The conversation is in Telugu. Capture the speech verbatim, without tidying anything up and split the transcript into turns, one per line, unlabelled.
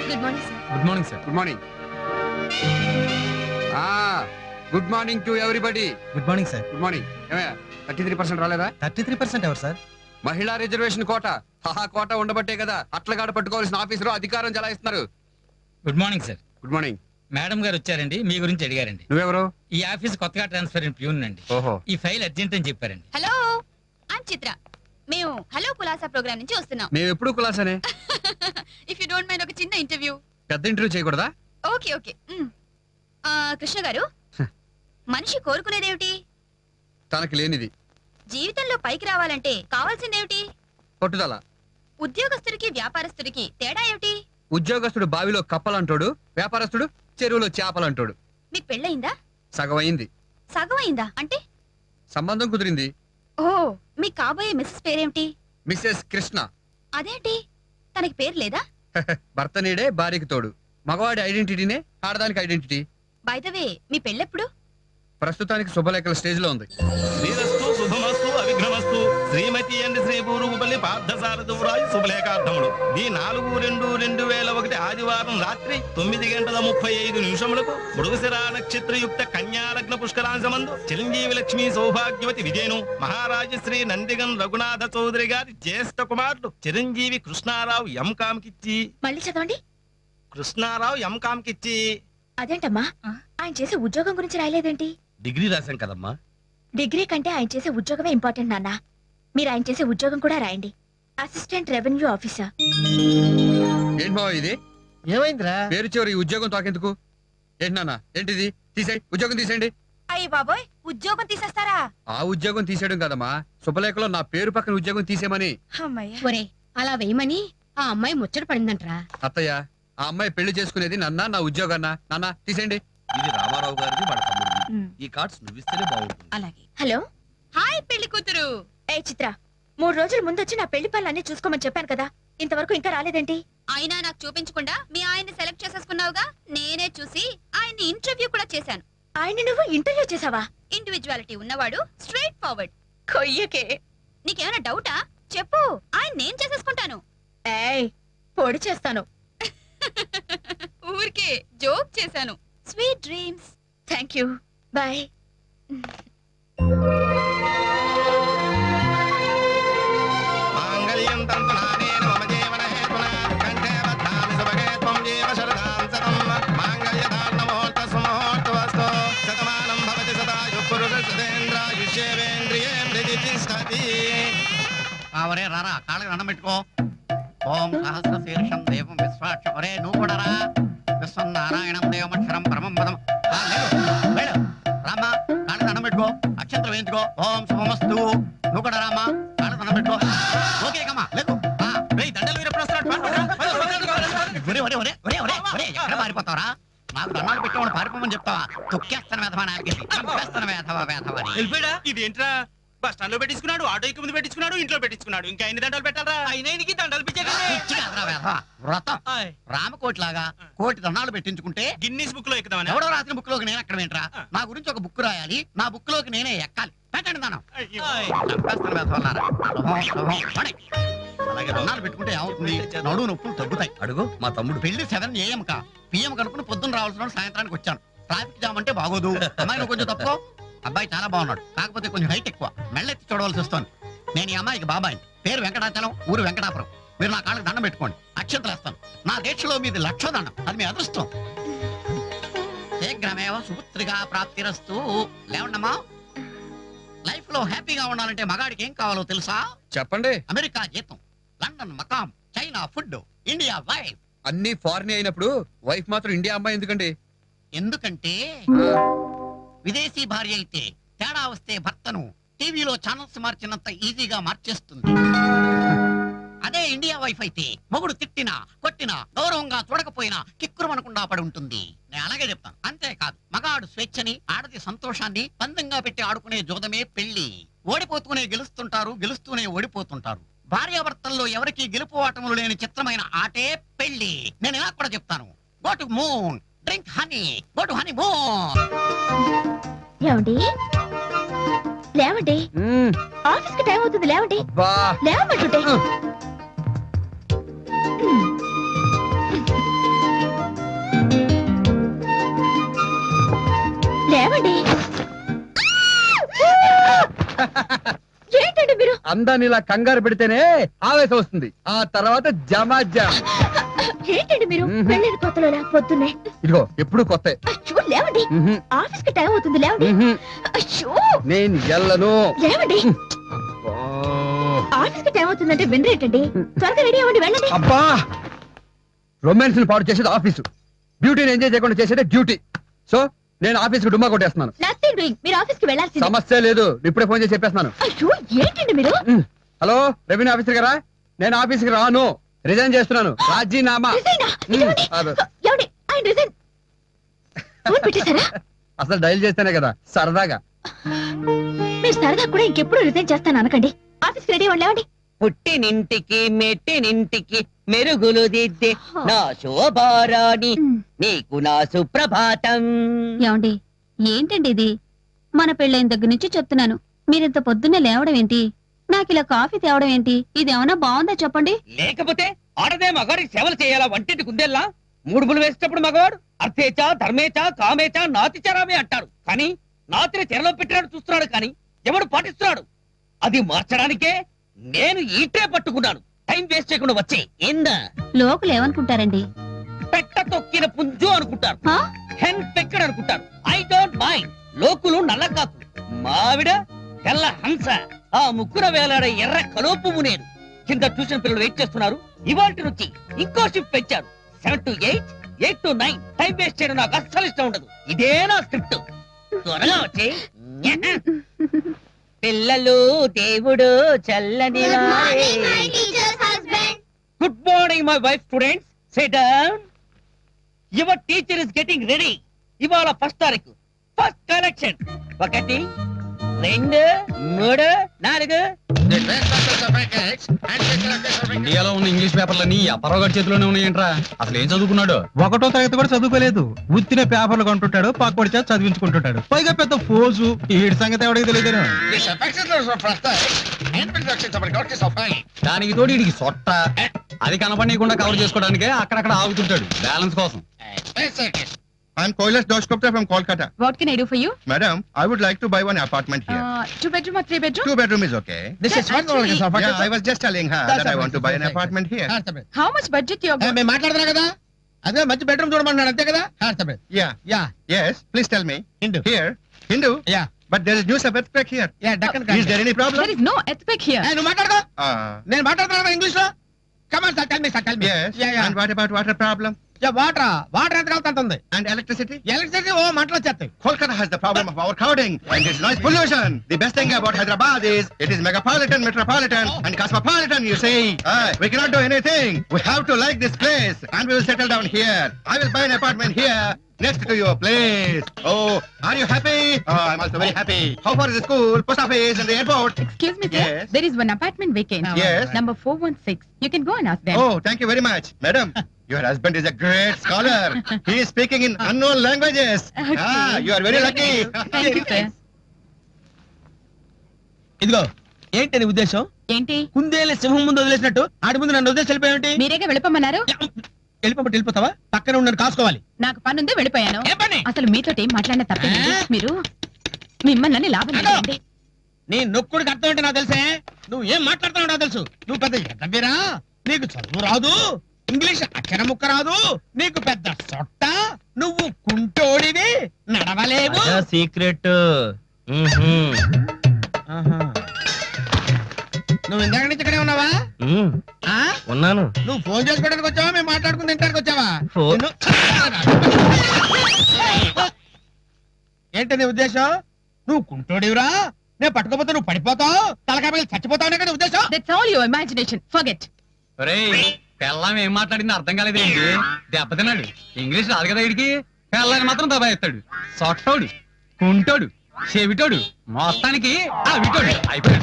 Good morning sir.
Good morning sir.
Good morning. Good morning to everybody.
Good morning sir.
Good morning. ఏమయ్యా థర్టీ త్రీ పర్సెంట్ రాలేదా?
థర్టీ త్రీ పర్సెంట్ ఎవరు సార్?
మహిళా రిజర్వేషన్ కోట. హహా కోట ఉండబట్టే కదా అట్లగాడ పట్టుకోవాల్సిన ఆఫీసరు అధికారం చలాయిస్తున్నారు.
Good morning sir.
Good morning.
Madam గారు వచ్చారండి, మీ గురించి అడిగారండి.
నువ్వెవరు?
ఈ ఆఫీస్ కొత్తగా ట్రాన్స్ఫర్ అయిన ప్యూన్ అండి.
ఓహో.
ఈ ఫైల్ అర్జెంట్ అని చెప్పారండి.
Hello, I'm Chitra. మేము హలో కులాసా ప్రోగ్రామ్ నుంచి వస్తున్నాం.
మేము ఎప్పుడు కులాసనే.
ఇఫ్ యు డోంట్ మైండ్ ఒక చిన్న ఇంటర్వ్యూ.
పెద్ద ఇంటర్వ్యూ చేయకూడదా?
Okay okay. కృష్ణ గారు, మనిషి కోరుకునేదేమిటి?
తనకి లేనిది.
జీవితంలో పైకి రావాలంటే కావాల్సిందేమిటి?
పట్టుదల.
ఉద్యోగస్తుడికి వ్యాపారస్తుడికి తేడా ఏమిటి?
ఉద్యోగస్తుడు బావిలో కప్పలంటాడు, వ్యాపారస్తుడు చెరువులో చేపలంటాడు.
మీకు పెళ్ళయిందా?
సగం అయింది.
సగం అయిందా అంటే?
సంబంధం కుదిరింది.
ఓ, మీ కాబోయే మిస్సెస్ పేరేమిటి?
మిస్సెస్ కృష్ణ.
అదేంటి, తనకి పేరు లేదా?
భర్త నీడే భార్యకి తోడు. మగవాడి ఐడెంటిటీనే ఆడదానికి ఐడెంటిటీ.
బై ద వే, మీ పెళ్ళెప్పుడు?
ప్రస్తుతానికి శుభలేఖల స్టేజ్ లో ఉంది.
శ్రీరస్తు శుభమస్తు అవిఘ్నమస్తు శ్రీమతి అండ్ శ్రీ పూరుగుపల్లి పార్థసారథురాజు శుభలేఖార్థములు. ఈ నాలుగు రెండు రెండు వేల ఒకటి ఆదివారం రాత్రి తొమ్మిది గంటల ముప్పై ఐదు నిమిషములకు మృగశిరా నక్షత్రయుక్త కన్యాలగ్న పుష్కరాంశమందు చిరంజీవి లక్ష్మీ సౌభాగ్యవతి విజయను మహారాజశ్రీ నందిగన్ రఘునాథ చౌదరి గారి జ్యేష్ఠ కుమారుడు చిరంజీవి కృష్ణారావు ఎం కామ్కిచ్చి.
మళ్ళీ చదవండి.
కృష్ణారావు ఎం కామ్కిచ్చి.
అదేంటమ్మా, ఆయన చేసే ఉద్యోగం గురించి రాయలేదేంటి?
డిగ్రీ రాశాం కదమ్మా.
డిగ్రీ కంటే ఆయన చేసే ఉద్యోగమే ఇంపార్టెంట్ నాన్న. మీరు ఆయన చేసే ఉద్యోగం కూడా రాయండి. Assistant revenue officer.
ఏంటి బావ ఇది?
ఏమైందిరా?
పేరు చివరి ఈ ఉద్యోగం తాకెందుకు? ఏంటి నాన్న, ఏంటిది? తీసేయ్, ఉద్యోగం తీసేయండి.
అయ్యి బాబోయ్, ఉద్యోగం తీసేస్తారా?
ఆ ఉద్యోగం తీసేయడం కదమ్మా, శుభలేఖలో నా పేరు పక్కన ఉద్యోగం తీసేయమని.
ఒరే, అలా వేయమని ఆ అమ్మాయి ముచ్చట పడిందంటరా.
అత్తయ్య, ఆ అమ్మాయి పెళ్లి చేసుకునేది నన్నా నా ఉద్యోగాన్నా? నాన్న తీసేయండి.
ఇది రామారావు గారిది, వాళ్ళ తమ్ముడిది. ఈ కార్డ్స్ నువ్విస్తేనే బాగుంటుంది.
అలాగే. హలో, హాయ్ పెళ్లి కూతురు. ఏ చిత్ర, మూడు రోజుల ముందు వచ్చి నా పెళ్లి పనులన్నీ చూసుకోమని చెప్పాను కదా, ఇంతవరకు ఇంకా రాలేదేంటి? అయినా నాకు చూపించకుండా మీ ఆయన్ని సెలెక్ట్ చేసేసుకున్నావుగా. నేనే చూసి ఆయన్ని ఇంటర్వ్యూ కూడా చేశాను. ఆయన్ని నువ్వు ఇంటర్వ్యూ చేసావా? ఇండివిజువాలిటీ ఉన్నవాడు, స్ట్రైట్ ఫార్వర్డ్. కొయ్యకే. నీకేమైనా డౌటా? చెప్పు, ఆయన నేను చేసేసుకుంటాను. ఏయ్, పొడి చేస్తాను. ఊరికే జోక్ చేశాను. Sweet dreams. Thank you, bye.
మాంగళ్యం తంతునానేన మమ జీవన హేతునా కంఠే బధ్నామి సుభగే త్వం జీవ శరదాం శతం మాంగళ్యదాన ముహూర్త సుముహూర్తవస్తు శతమానం భవతి సదాయు పురుష సదేంద్రాయుష్యేంద్రియే ప్రతిష్టతి.
అవరే రారా, కాళ్ళకి దండం పెట్టుకో. ఓం సహస్ర శీర్షం దేవం విశ్వాక్ష. ఒరే నువ్వు కూడా రా. విశ్వం నారాయణం దేవమక్షరం పరమం పదం. రామా, కాళ్ళకి దండం పెట్టుకో, అక్షంతరం వేయించుకో. ఓం శుభమస్తు. నువ్వు కూడా రామా, కాళ్ళకి దండం పెట్టుకో. ఓకే కమ్మా, లేదు దండలు వీరు ఎప్పుడు వస్తున్నాడు? ఎక్కడ పారిపోతావరా? నాకు దండాలు పెట్టుకోమని పారిపోమని చెప్తావా? తొక్కేస్తాను వేధవా, నాకేస్తాను వేధవా వేధవా.
ఇది ఏంట్రా? బస్ స్టాండ్ లో పెట్టించుకున్నాడు, ఆటోకి ముందు పెట్టించుకున్నాడు, ఇంట్లో పెట్టించుకున్నాడు. ఇంకా ఎన్ని దండాలు పెట్టాలరా? అయినానికి దండాలు
వ్రతం రామకోటి లాగా కోటి దండాలు పెట్టించుకుంటే
గిన్నీస్ బుక్ లో ఎక్కుదామని.
ఎవడో రాసిన బుక్ లోకి నేను ఎక్కడ ఏంట్రా? నా గురించి ఒక బుక్ రాయాలి, నా బుక్ లోకి నేనే ఎక్కాలి. పెట్టండి దానం. అలాగే దండాలు పెట్టుకుంటే ఏమవుతుంది? నడువు నొప్పులు తగ్గుతాయి. అడుగు మా తమ్ముడు పెళ్లి సెవెన్ ఏఎం కా పిఎం కనుక్కుని పొద్దున్న రావాల్సిన సాయంత్రానికి వచ్చాను. ట్రాఫిక్ జామ్ అంటే బాగోదు. అమ్మాయి నువ్వు కొంచెం తప్పుకో. అబ్బాయి చాలా బాగున్నాడు, కాకపోతే కొంచెం హైట్ ఎక్కువ, మెళ్ళెత్తి చూడవలసి వస్తుంది. నేను ఈ అమ్మాయికి బాబాయ్, పేరు వెంకటాచలం, ఊరు వెంకటాపురం. మీరు నా కాళ్ళకి దండం పెట్టుకోండి, అక్షంతలు వేస్తాను. నా దీక్షలో మీది లక్ష దండం, అది మీ అదృష్టం. శీఘ్రమేవ సుపుత్రిగా ప్రాప్తిరస్తు. లేవండమ్మా, లైఫ్ లో హ్యాపీగా ఉండాలంటే మగాడికి ఏం కావాలో తెలుసా?
చెప్పండి.
అమెరికా జీతం, లండన్ మకాం, చైనా ఫుడ్, ఇండియా వైఫ్.
అన్ని ఫారిన్ అయినప్పుడు వైఫ్ మాత్రం ఇండియా అమ్మాయి ఎందుకండి?
ఎందుకంటే విదేశీ భార్య అయితే తేడా వస్తే భర్తను టీవీలో ఛానల్స్ మార్చినంత ఈజీగా మార్చేస్తుంది. అదే ఇండియా వైఫ్ అయితే మొగుడు తిట్టినా కొట్టినా గౌరవంగా చూడకపోయినా కిక్కురుమనకుండా పడి ఉంటుంది. నేను అలాగే చెప్తాను. అంతేకాదు, మగాడు స్వేచ్ఛని, ఆడది సంతోషాన్ని పందంగా పెట్టి ఆడుకునే జోదమే పెళ్లి. ఓడిపోతూనే గెలుస్తుంటారు, గెలుస్తూనే ఓడిపోతుంటారు. భార్యాభర్తల్లో ఎవరికి గెలుపు ఆటములు లేని చిత్రమైన ఆటే పెళ్లి. నేను ఇలా కూడా చెప్తాను. Go to moon, drink honey, go to honeymoon.
లేవండి, లేవండి, ఆఫీస్ కి టైం అవుతుంది. లేవండి, లేవమంటుంటే.
అందరిని ఇలా కంగారు పెడితేనే ఆవేశం వస్తుంది, ఆ తర్వాత జమా జమ్.
ఏంటండి మీరు
మ్మ్.
వెళ్ళేది కొత్తలో లే- పొద్దున్నే
ఇదిగో ఎప్పుడు కొత్త.
అయ్యో లేవండి, ఆఫీస్ కి టైం అవుతుంది లేవండి. అయ్యో
నేను ఎల్లను.
లేవండి, ఆఫీస్ కి టైం అవుతుందంటే వినరేటండి. త్వరగా రెడీ అవ్వండి, వెళ్ళండి.
అబ్బా, రొమాన్స్ పాడు చేసేది ఆఫీసు, బ్యూటీని ఎంజాయ్ చేయకుండా చేసేది డ్యూటీ. సో నేను ఆఫీస్ కు డుమ్మా కొట్టేస్తున్నాను.
నథింగ్ డూయింగ్, మీరు ఆఫీస్ కి వెళ్ళాల్సింది.
సమస్య లేదు, ఇప్పుడే ఫోన్ చేసి చెప్పేస్తున్నాను.
అయ్యో ఏంటండి మీరు?
హలో రెవెన్యూ ఆఫీసర్ గారా, నేను ఆఫీస్ కి రాను, రిజైన్ చేస్తున్నాను, రాజీనామా.
రిజైనా? ఇదిగోండి.
అదే.
ఏమండి, ఆయన రిజైన్ ఫోన్ పెట్టేశారా?
అసలు డైల్ చేస్తేనే కదా సరదాగా.
మీరు సరదా కూడా ఇంకెప్పుడు రిజైన్ చేస్తాను అనకండి. ఆఫీస్ రెడీ అవ్వండి, లేవండి.
పుట్టినింటికి మెట్టినింటికి మెరుగులు దిద్దే నా శోభారాణి నీకు నా సుప్రభాతం.
ఏమండి ఏంటండి ఇది? మన పెళ్ళైన దగ్గర నుంచి చెప్తున్నాను, మీరింత పొద్దున్నే లేవడం ఏంటి, నాకు ఇలా కాఫీ తేవడం ఏంటి, ఇదేమన్నా బాగుందా చెప్పండి.
లేకపోతే ఆడదే మగాడికి సేవలు చేయాలా వంటింటి కుందేల్లా? మూడుములు వేసేటప్పుడు మగవాడు అర్థేచా ధర్మేచా కామేచా నాతిచారామే అంటారు, కానీ నాతిని చెరలో పెట్టినాడు చూస్తున్నాడు, కానీ ఎవడు పాటిస్తున్నాడు? అది మార్చడానికే నేను ఈటే పట్టుకున్నాను. టైం వేస్ట్ చేయకుండా వచ్చే ఏందా?
లోకులు ఏమనుకుంటారండి?
పెట్ట తొక్కిన పుంజు అనుకుంటారు,
హా?
హెన్ పెక్కడు అనుకుంటారు. I don't mind. లోకులు నల్ల కాకు, మావిడ తెల్ల హంస, ఆ ముక్కున వేలాడే ఎర్ర కలోపు నేను. కింద ట్యూషన్ పిల్లలు వెయిట్ చేస్తున్నారు. ఇవాల్టి నుంచి ఇంకో షిఫ్ట్ పెంచారు, seven to eight, eight to nine. Time waste చేయడం నాకు అస్సలు ఇష్టం ఉండదు. ఇదే నా స్క్రిప్ట్. త్వరగా వచ్చే పిల్లలు దేవుడు చల్లని good morning my wife students, sit down. Your teacher is getting ready. ఇవాళ ఫస్ట్ తారీఖు, ఫస్ట్ కలెక్షన్. ఒకటి, రెండు, మూడు, నాలుగు.
ఇండియాలో ఉన్న ఇంగ్లీష్ పేపర్లన్నీ అపరావు గారి చేతిలోనే ఉన్నాయంట్రా. అసలు ఏం చదువుకున్నాడు?
ఒకటో తరగతి కూడా చదువుకోలేదు, ఉత్తిన పేపర్లు కొంటుంటాడు, పక్కడి చేత చదివించుకుంటుంటాడు. పైగా పెద్ద ఫోజు, ఈడి సంగతి ఎవడికి తెలియదు.
దానికి తోడు వీడికి సొట్ట, అది కనపడకుండా కవర్ చేసుకోవడానికే అక్కడక్కడ ఆగుతుంటాడు బ్యాలెన్స్ కోసం.
I'm Kailash Doshkopta from Kolkata.
What can I do for you?
Madam, I would like to buy one apartment here.
Two bedroom or three bedroom?
Two bedroom is okay.
This is one
Yeah, I was just telling her that I want to buy an apartment here.
How much budget you
మేము మాట్లాడుతున్నా కదా, అదే మంచి బెడ్రూమ్ చూడమన్నాడు అంతే కదా.
Yeah.
Yeah
Yes, please tell me.
Hindu.
Here. Hindu?
Yeah.
But there is news of earthquake here.
Yeah Deccan
Is there any problem?
There is no earthquake here.
నువ్వు మాట్లాడుకో,
Uh,
నేను మాట్లాడుతున్నా ఇంగ్లీష్ లో. Come on sir, tell me sir, tell me.
yes.
Yeah yeah
And what about water problem?
Yeah water water ఎంత కావాలి అంత ఉంది.
And electricity?
ఎలక్ట్రిసిటీ ఓ మంటలు వచ్చేస్తాయి.
Kolkata has the problem of overcrowding and its noise pollution. The best thing about Hyderabad is it is megapolitan, metropolitan and cosmopolitan, you see. Uh, we cannot do anything. We have to like this place and we will settle down here. I will buy an apartment here next to your place. Oh, are you happy? Oh, I'm also very happy. How far is the school, post office and the airport?
Excuse me,
sir. Yes.
There is one apartment vacant.
Yes.
Number four one six. You can go and ask them.
Oh, thank you very much. Madam, your husband is a great scholar. He is speaking in unknown languages.
Okay.
Ah, you are very lucky.
Thank you, sir.
ఇదిగో ఏంటి నీ ఉద్దేశం?
ఏంటి?
కుందేలు సింహం ముందు వదిలేసినట్టు ఆడి ముందు నన్ను వదిలేసి వెళ్ళిపోయావేంటి?
మీరేగా వెళ్ళిపోమన్నారు?
వెళ్ళిపోతే వెళ్ళిపోతావా? పక్కన ఉన్న కాసుకోవాలి.
నాకు పని ఉంది, వెళ్ళిపోయాను.
ఏ పని?
అసలు మీతో ఏం మాట్లాడిన తప్పేంటి?
ఆ?
మీరు మిమ్మల్ని లాభం
అదో.
లేదండి.
నీ నొక్కుడికి అర్థం ఏంటి నాకు తెలుసే. నువ్వు ఏం మాట్లాడుతున్నావు నాకు తెలుసు. నువ్వు పెద్ద ఎద్దవీరా, నీకు చదువు రాదు, ఇంగ్లీష్ అక్షర ముక్క రాదు, నీకు పెద్ద సొట్ట, నువ్వు కుంటోడివి, నడవలేవు.
సీక్రెట్.
ఆహా. నువ్వు ఇందాక నుంచి ఇక్కడే ఉన్నావా? ఆ?
ఉన్నాను.
నువ్వు ఫోన్ చేసుకోవడానికి వచ్చావా, మేము మాట్లాడుకుని తింటానికి వచ్చావా?
ఫోన్.
నిన్ను- ఏంటి నీ ఉద్దేశం? నువ్వు కుంటోడివిరా, నేను పట్టుకోపోతే నువ్వు పడిపోతావు, తలకాయ పగిలి చచ్చిపోతావు కదా ఉద్దేశం.
That's all your imagination. Forget.
పెళ్ళం ఏం మాట్లాడింది అర్థం కాలేదేంటి? దెబ్బతిన్నాడు, ఇంగ్లీష్ రాదు కదా వీడికి. పెళ్ళని మాత్రం దబాయిస్తాడు, సొట్టోడు, కుంటోడు, చెవిటోడు, మొత్తానికి ఆ విటోడు అయిపోయాడు.